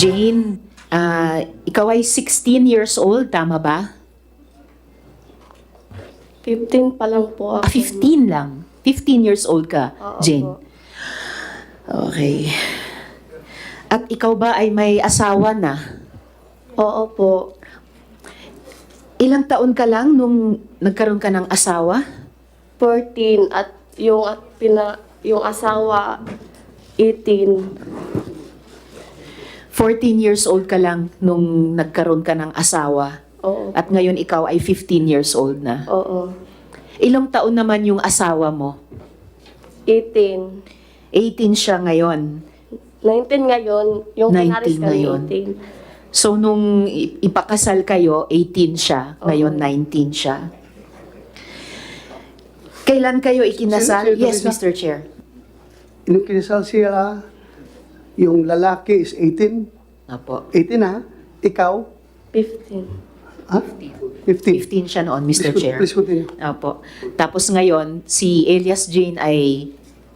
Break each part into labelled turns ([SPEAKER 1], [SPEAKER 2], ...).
[SPEAKER 1] Jane, ikaw ay 16 years old, tama ba?
[SPEAKER 2] 15 pa lang po ako.
[SPEAKER 1] 15 lang. 15 years old ka,
[SPEAKER 2] Oo
[SPEAKER 1] Jane.
[SPEAKER 2] po.
[SPEAKER 1] Okay. At ikaw ba ay may asawa na?
[SPEAKER 2] Oo po.
[SPEAKER 1] Ilang taon ka lang nung nagkaroon ka ng asawa?
[SPEAKER 2] 14 at yung asawa 18.
[SPEAKER 1] 14 years old ka lang nung nagkaroon ka ng asawa.
[SPEAKER 2] Oo.
[SPEAKER 1] At ngayon ikaw ay 15 years old na.
[SPEAKER 2] Oo.
[SPEAKER 1] Ilang taon naman yung asawa mo?
[SPEAKER 2] 18.
[SPEAKER 1] 18 siya ngayon.
[SPEAKER 2] 19 ngayon. Yung
[SPEAKER 1] 19
[SPEAKER 2] pinaris kami
[SPEAKER 1] ngayon.
[SPEAKER 2] 18.
[SPEAKER 1] So nung ipakasal kayo, 18 siya. Ngayon,
[SPEAKER 2] Oo.
[SPEAKER 1] 19 siya. Kailan kayo ikinasal?
[SPEAKER 3] Sir,
[SPEAKER 1] Yes,
[SPEAKER 3] Teresa.
[SPEAKER 1] Mr. Chair.
[SPEAKER 3] Nung kinasal siya, yung lalaki is 18.
[SPEAKER 1] Apo.
[SPEAKER 3] 18 ha? Ikaw?
[SPEAKER 2] 15.
[SPEAKER 3] Ha? 50.
[SPEAKER 1] 15 siya noon, Mr. Chair.
[SPEAKER 3] Please continue.
[SPEAKER 1] Apo. Tapos ngayon, si Elias Jane ay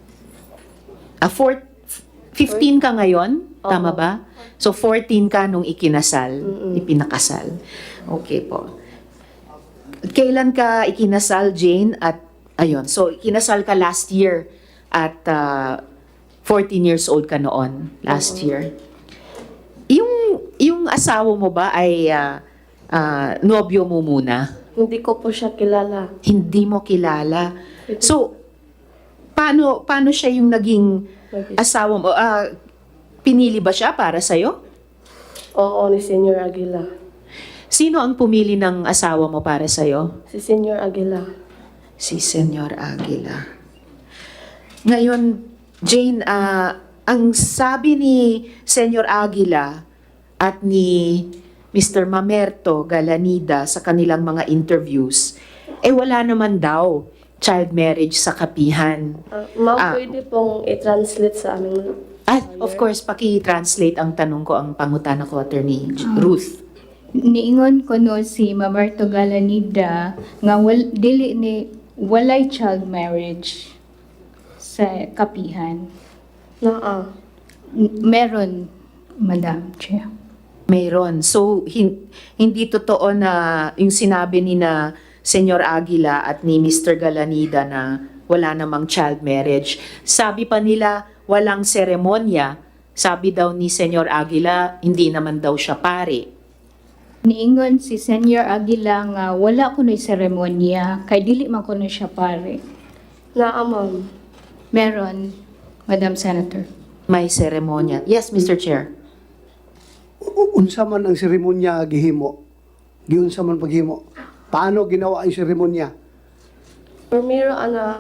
[SPEAKER 1] 15 ka ngayon? Tama
[SPEAKER 2] Oo.
[SPEAKER 1] ba? So 14 ka nung ikinasal, ipinakasal. Okay po. Kailan ka ikinasal, Jane? At ayun, so ikinasal ka last year at 14 years old ka noon, last year. Yung asawa mo ba ay nobyo mo muna?
[SPEAKER 2] Hindi ko po siya kilala.
[SPEAKER 1] Hindi mo kilala. So, paano siya yung naging asawa mo? Pinili ba siya para sa'yo?
[SPEAKER 2] Oo, ni Senior Aguila.
[SPEAKER 1] Sino ang pumili ng asawa mo para sa'yo?
[SPEAKER 2] Si Senior Aguila.
[SPEAKER 1] Si Senyor Aguila. Ngayon, Jane, ang sabi ni Senyor Aguila at ni Mr. Mamerto Galanida sa kanilang mga interviews, wala naman daw child marriage sa kapihan.
[SPEAKER 2] Ma'am, pwede pong i-translate sa aming
[SPEAKER 1] Of course, paki-translate ang tanong ko, ang pangutana ko, Attorney Ruth.
[SPEAKER 4] Niingon ko no si Mamerto Galanida nga dili ni walay child marriage sa kapihan.
[SPEAKER 2] naa.
[SPEAKER 4] Meron, Madam Chair.
[SPEAKER 1] Mayroon. So, hindi totoo na yung sinabi ni na Senyor Aguila at ni Mr. Galanida na wala namang child marriage. Sabi pa nila, walang seremonya. Sabi daw ni Senyor Aguila, hindi naman daw siya pare.
[SPEAKER 4] Niingon si Senior Aguila nga wala kuno'y seremonya kay dili man kuno siya pare.
[SPEAKER 2] Naa, ma'am.
[SPEAKER 4] Meron, Madam Senator.
[SPEAKER 1] May seremonya. Yes, Mr. Chair.
[SPEAKER 3] Unsa man ang seremonya gihimo? Giunsa man paghimo? Paano ginawa ang seremonya?
[SPEAKER 2] Primero,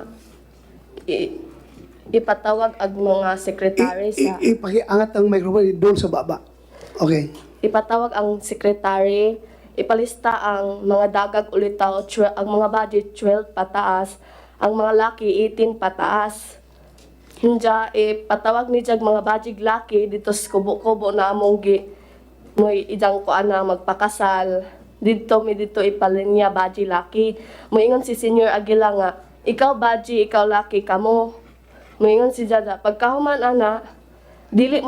[SPEAKER 2] ipatawag ang mga sekretary sa...
[SPEAKER 3] Ipakiangat ang microphone doon sa baba. Okay.
[SPEAKER 2] Ipatawag ang sekretary, ipalista ang mga dagag ulitaw, ang mga budget 12 pataas, ang mga laki 18 pataas. Hinja, ipatawag ni Jag mga budget laki dito sa kubo-kubo na among mo'y idang ko ana magpakasal. Dito ipalinya budget laki. Moingon si Senior Aguila nga, ikaw budget, ikaw laki kamo. Moingon si Jada, pagkahuman ana, dili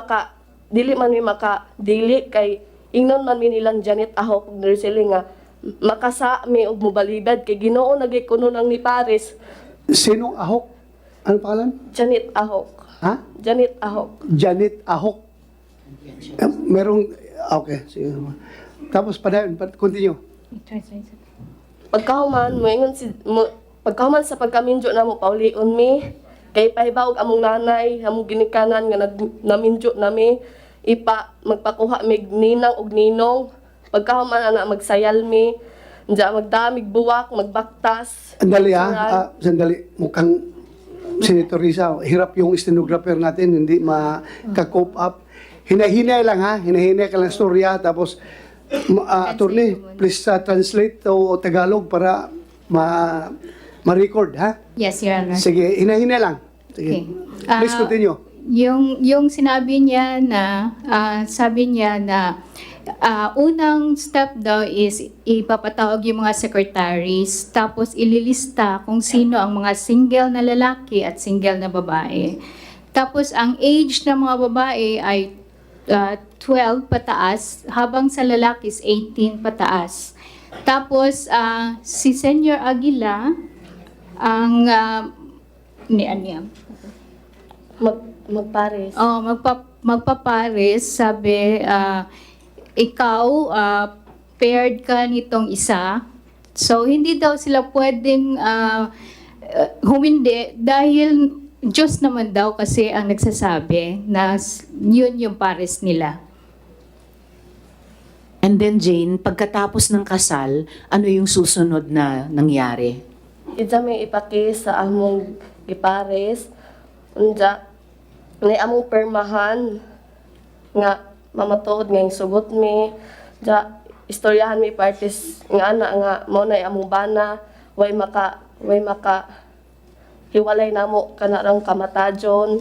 [SPEAKER 2] kay ingnon man mi nilang Janet Ahok ug Nursely nga makasa mi og mobalibad kay Ginoo nagikuno nang ni Paris.
[SPEAKER 3] Sinong Ahok? Ano pangalan?
[SPEAKER 2] Janet Ahok.
[SPEAKER 3] Ha?
[SPEAKER 2] Janet Ahok.
[SPEAKER 3] Janet Ahok. Merong... Okay. Sige. Tapos, continue.
[SPEAKER 2] Pagkahuman pagkahuman sa pagkaminjo na mo paulion mi kay pahibawog among nanay among ginikanan nga naminjo nami magpakuha mig ninang og ninong pagkahuman ana magsayal mi Diya magdamig buwak magbaktas.
[SPEAKER 3] Sandali sandali. Mukhang Senator Risa, hirap yung stenographer natin, hindi maka-cope up. Hinahinay lang ha, hinahinay ka lang storya, tapos attorney, please translate to Tagalog para ma-record ha.
[SPEAKER 4] Yes, Your Honor.
[SPEAKER 3] Sige, hinahinay lang. Sige.
[SPEAKER 4] Okay.
[SPEAKER 3] Please continue.
[SPEAKER 4] Yung sinabi niya na, sabi niya na unang step daw is ipapatawag yung mga secretaries, tapos ililista kung sino ang mga single na lalaki at single na babae. Tapos ang age ng mga babae ay 12 pataas, habang sa lalaki is 18 pataas. Tapos, si Senyor Aguila, ang niya.
[SPEAKER 2] Magpares.
[SPEAKER 4] Oh, magpapares, sabi, ikaw, paired ka nitong isa. So, hindi daw sila pwedeng humindi dahil Diyos naman daw kasi ang nagsasabi na yun yung pares nila.
[SPEAKER 1] And then Jane, pagkatapos ng kasal, ano yung susunod na nangyari?
[SPEAKER 2] Ija may ipakis sa among gipares. Unja, may among permahan nga mamatuod nga yung sugot mi. Ja, istoryahan mi parties nga ana nga mo na among bana way maka hiwalay namo kanarang kamatajon.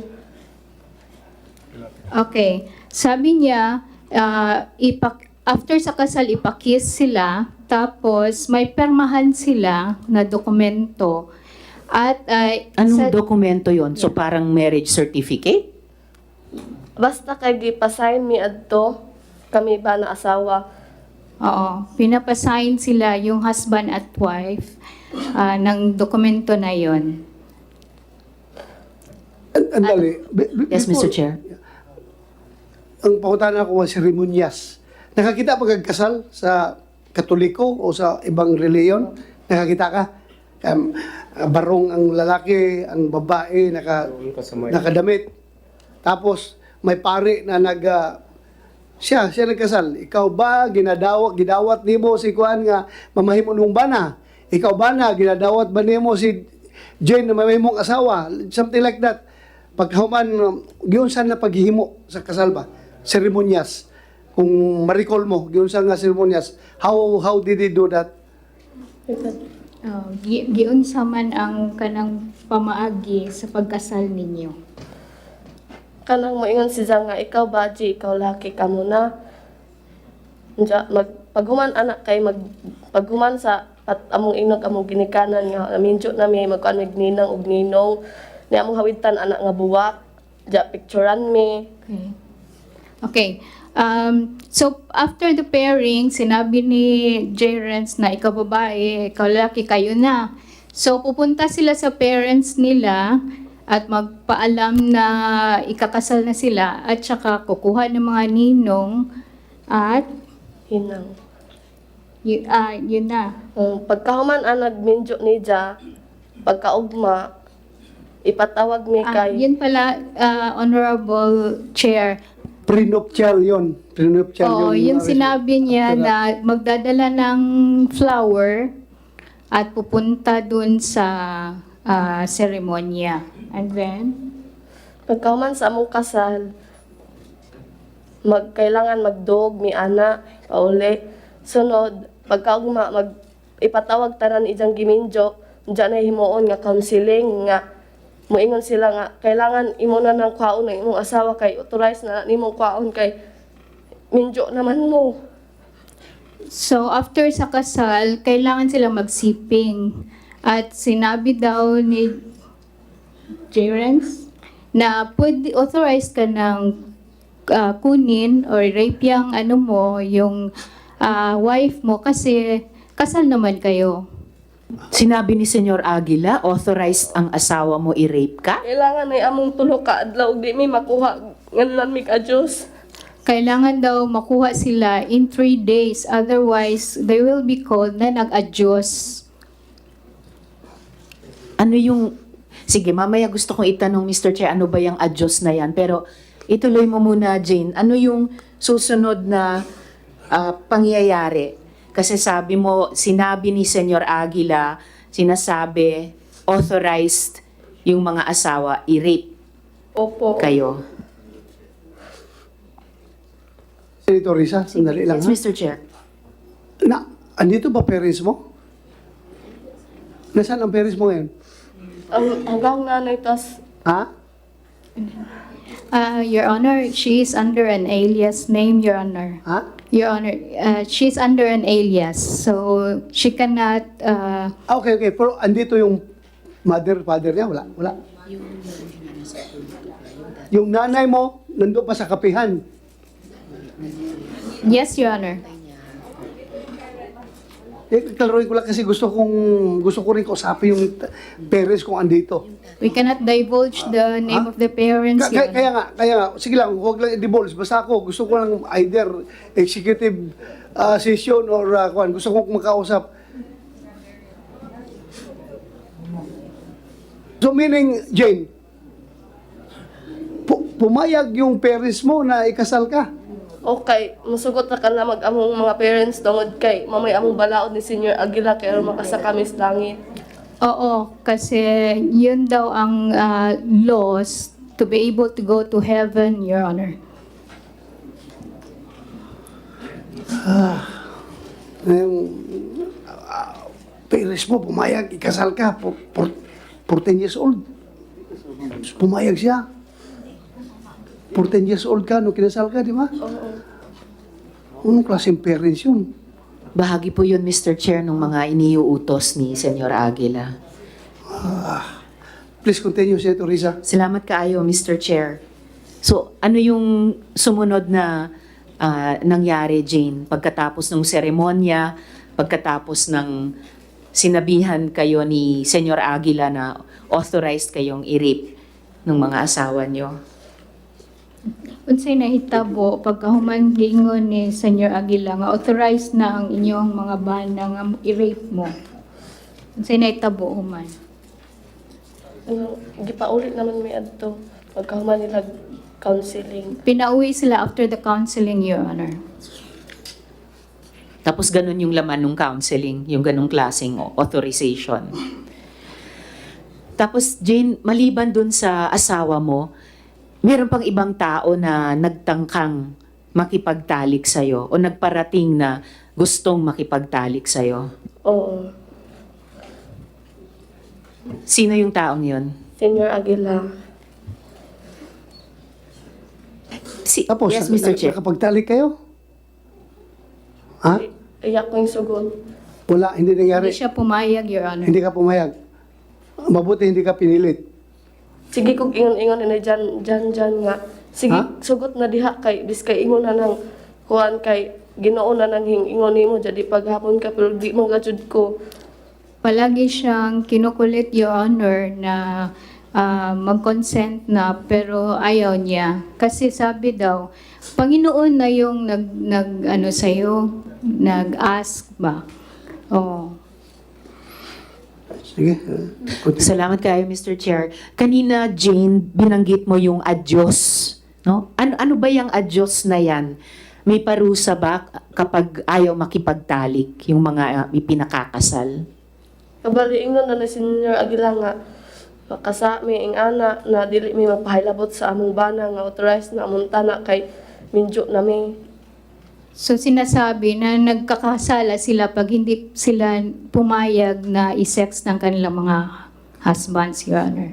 [SPEAKER 4] Okay. Sabi niya, after sa kasal, ipakis sila, tapos may permahan sila na dokumento. At
[SPEAKER 1] Anong dokumento yon? So parang marriage certificate?
[SPEAKER 2] Basta kay gipasign mi adto kami ba na asawa.
[SPEAKER 4] Oo, pinapasign sila yung husband at wife ng dokumento na yon.
[SPEAKER 3] Andali.
[SPEAKER 1] Yes, Mr. Chair.
[SPEAKER 3] Ang pautan ako was seremonyas. Nakakita pa kag kasal sa Katoliko o sa ibang reliyon? Nakakita ka? Barong ang lalaki, ang babae, nakadamit. Tapos, may pare na siya nagkasal. Ikaw ba, gidawat nimo si Kuan nga mamahimo nung bana? Ikaw ba na, ginadawat ba nimo si Jane na mamahimong asawa? Something like that. Pagkahuman, giyon saan na paghihimo sa kasal ba? Seremonyas. Kung ma-recall mo, giyon saan nga seremonyas. How did he do that?
[SPEAKER 4] Giunsa man ang kanang pamaagi sa pagkasal ninyo.
[SPEAKER 2] Kanang moingon si Zang nga ikaw baji, ikaw laki ka muna. Unja paghuman anak kay paghuman sa among inog among ginikanan nga minjo na mi magkuan mig ninang ug ninong ni among hawitan anak nga buwak. Ja picturean mi.
[SPEAKER 4] Okay. Okay. So, after the pairing, sinabi ni J. Renz na ikaw babae, ikaw lalaki, kayo na. So, pupunta sila sa parents nila at magpaalam na ikakasal na sila at saka kukuha ng mga ninong at
[SPEAKER 2] Hinang.
[SPEAKER 4] yun na.
[SPEAKER 2] Pagkahuman ang nagminjo ni Ja, pagkaugma, ipatawag mi kay
[SPEAKER 4] Yun pala, Honorable Chair.
[SPEAKER 3] Prenuptial yun. Prenuptial
[SPEAKER 4] Oo,
[SPEAKER 3] yun.
[SPEAKER 4] yung sinabi niya na magdadala ng flower at pupunta dun sa seremonya. And then,
[SPEAKER 2] pagkahuman sa among kasal, kailangan magdog mi ana pauli. Sunod, pagkaugma ipatawag tanan ijang giminjo, diyan na himuon nga counseling nga moingon sila nga kailangan imo na ng kwaon ng imong asawa kay authorized na nimong kwaon kay minjo naman mo.
[SPEAKER 4] so after sa kasal, kailangan sila magsiping. At sinabi daw ni Jerence na pwede authorized ka ng kunin or rape yung yung wife mo kasi kasal naman kayo.
[SPEAKER 1] Sinabi ni Senyor Aguila, authorized ang asawa mo i-rape ka?
[SPEAKER 2] Kailangan ay among tulo ka adlaw ug di mi makuha nganlan mi ka Dios.
[SPEAKER 4] Kailangan daw makuha sila in 3 days. Otherwise, they will be called na nag-adyos.
[SPEAKER 1] Ano yung... Sige, mamaya gusto kong itanong, Mr. Chair, ano ba yung adyos na yan? Pero ituloy mo muna, Jane. Ano yung susunod na pangyayari? Kasi sabi mo, sinabi ni Senyor Aguila, sinasabi, authorized yung mga asawa i-rape
[SPEAKER 2] Opo.
[SPEAKER 1] kayo.
[SPEAKER 3] Senator Risa, sandali lang
[SPEAKER 1] Yes,
[SPEAKER 3] ha.
[SPEAKER 1] Mr. Chair.
[SPEAKER 3] Andito ba parents mo? Nasaan ang parents mo ngayon?
[SPEAKER 2] Hanggang nanay tas
[SPEAKER 3] Ha?
[SPEAKER 4] Your Honor, she is under an alias name, Your Honor.
[SPEAKER 3] Ha?
[SPEAKER 4] Your Honor, she's under an alias, so she cannot.
[SPEAKER 3] Okay. Pero andito yung father niya? Wala. Yung nanay mo, nandun pa sa kapihan.
[SPEAKER 4] Yes, Your Honor.
[SPEAKER 3] Klaruhin ko lang kasi gusto ko rin kausapin yung parents kung andito.
[SPEAKER 4] We cannot divulge the name of the parents, Your Honor.
[SPEAKER 3] Kaya nga, sige lang, huwag lang i-divulge. Basta ako, gusto ko lang either executive session or gusto ko makausap. So meaning, Jane, pumayag yung parents mo na ikasal ka.
[SPEAKER 2] Okay, musugot na ka na mag-among mga parents tungod kay mamay among balaod ni Senior Aguila kay aron makasa kami sa langit.
[SPEAKER 4] Oo, kasi yun daw ang laws to be able to go to heaven, Your Honor.
[SPEAKER 3] Yung parents mo, pumayag, ikasal ka, 14 years old. Pumayag siya. 14 years old ka, nung kinasal ka, di ba?
[SPEAKER 2] Oo.
[SPEAKER 3] Anong klaseng parents yun?
[SPEAKER 1] Bahagi po yun, Mr. Chair, ng mga iniuutos ni Senyor Aguila.
[SPEAKER 3] Please continue, Senator Risa.
[SPEAKER 1] Salamat kaayo, Mr. Chair. So, ano yung sumunod na nangyari, Jane, pagkatapos ng seremonya, pagkatapos ng sinabihan kayo ni Senyor Aguila na authorized kayong i-rape ng mga asawa nyo?
[SPEAKER 4] Unsay nahitabo pagkahuman giingon ni Senyor Aguila nga authorized na ang inyong mga bana nga i-rape mo. Unsay nahitabo human?
[SPEAKER 2] Gipaulit naman may adto pagkahuman nila counseling.
[SPEAKER 4] Pinauwi sila after the counseling, Your Honor.
[SPEAKER 1] Tapos ganun yung laman ng counseling, yung ganung klaseng authorization. Tapos Jane, maliban dun sa asawa mo, meron pang ibang tao na nagtangkang makipagtalik sa'yo o nagparating na gustong makipagtalik sa'yo.
[SPEAKER 2] Oo.
[SPEAKER 1] Sino yung taong yun?
[SPEAKER 2] Senior Aguila.
[SPEAKER 3] Tapos,
[SPEAKER 1] yes, Mr. Chair.
[SPEAKER 3] nakapagtalik kayo? Ha?
[SPEAKER 2] Iyak ko yung sugod.
[SPEAKER 3] Wala, hindi nangyari.
[SPEAKER 4] Hindi siya pumayag, Your Honor.
[SPEAKER 3] Hindi ka pumayag. Mabuti hindi ka pinilit.
[SPEAKER 2] Sige kog ingon-ingon na dyan nga. Sige,
[SPEAKER 3] Ha?
[SPEAKER 2] sugot na diha kay biskay ingon na nang kuan kay Ginoo na nang ingon nimo jadi paghapon ka pero di man gajud ko.
[SPEAKER 4] Palagi siyang kinukulit, Your Honor, na mag-consent na pero ayaw niya. Kasi sabi daw, Panginoon na yung nag sa'yo, nag-ask ba? Oh.
[SPEAKER 3] Sige. Continue.
[SPEAKER 1] Salamat kayo, Mr. Chair. Kanina, Jane, binanggit mo yung adyos. No? Ano ba yung adyos na yan? May parusa ba kapag ayaw makipagtalik yung mga ipinakakasal?
[SPEAKER 2] Kabali ingon na ni Senior Aguila nga kasa mi ing ana na dili mi magpahilabot sa among bana nga authorized na among tanak kay minjo na mi.
[SPEAKER 4] So sinasabi na nagkakasala sila pag hindi sila pumayag na i-sex ng kanilang mga husbands, Your Honor.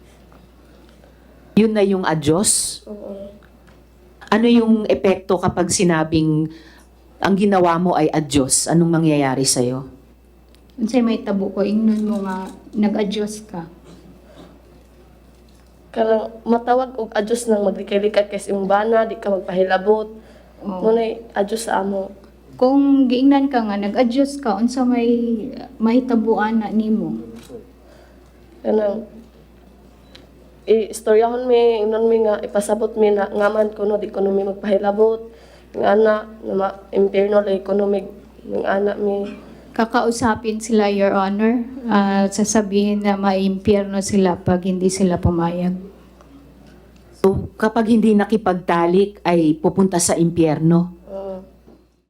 [SPEAKER 1] Yun na yung adyos?
[SPEAKER 2] Oo.
[SPEAKER 1] Ano yung epekto kapag sinabing ang ginawa mo ay adyos? Anong mangyayari sa'yo?
[SPEAKER 4] Unsay may tabo ko, ingnon mo nga nag-adjust ka.
[SPEAKER 2] Kanang matawag og adjust nang maglikay-likay kay imong bana di ka magpahilabot.
[SPEAKER 4] Oh.
[SPEAKER 2] Munay adjust sa amo.
[SPEAKER 4] Kung giingnan ka nga, nag-adjust ka, unsa may mahitabuan na nimo.
[SPEAKER 2] Kanang istoryahon mi ingnon mi nga ipasabot mi na ngaman kuno di kuno mi magpahilabot. Ng ana na impierno lay kuno mi ng ana mi.
[SPEAKER 4] Kakausapin sila, Your Honor, sasabihin na maimpyerno sila pag hindi sila pumayag.
[SPEAKER 1] So, kapag hindi nakipagtalik ay pupunta sa impyerno?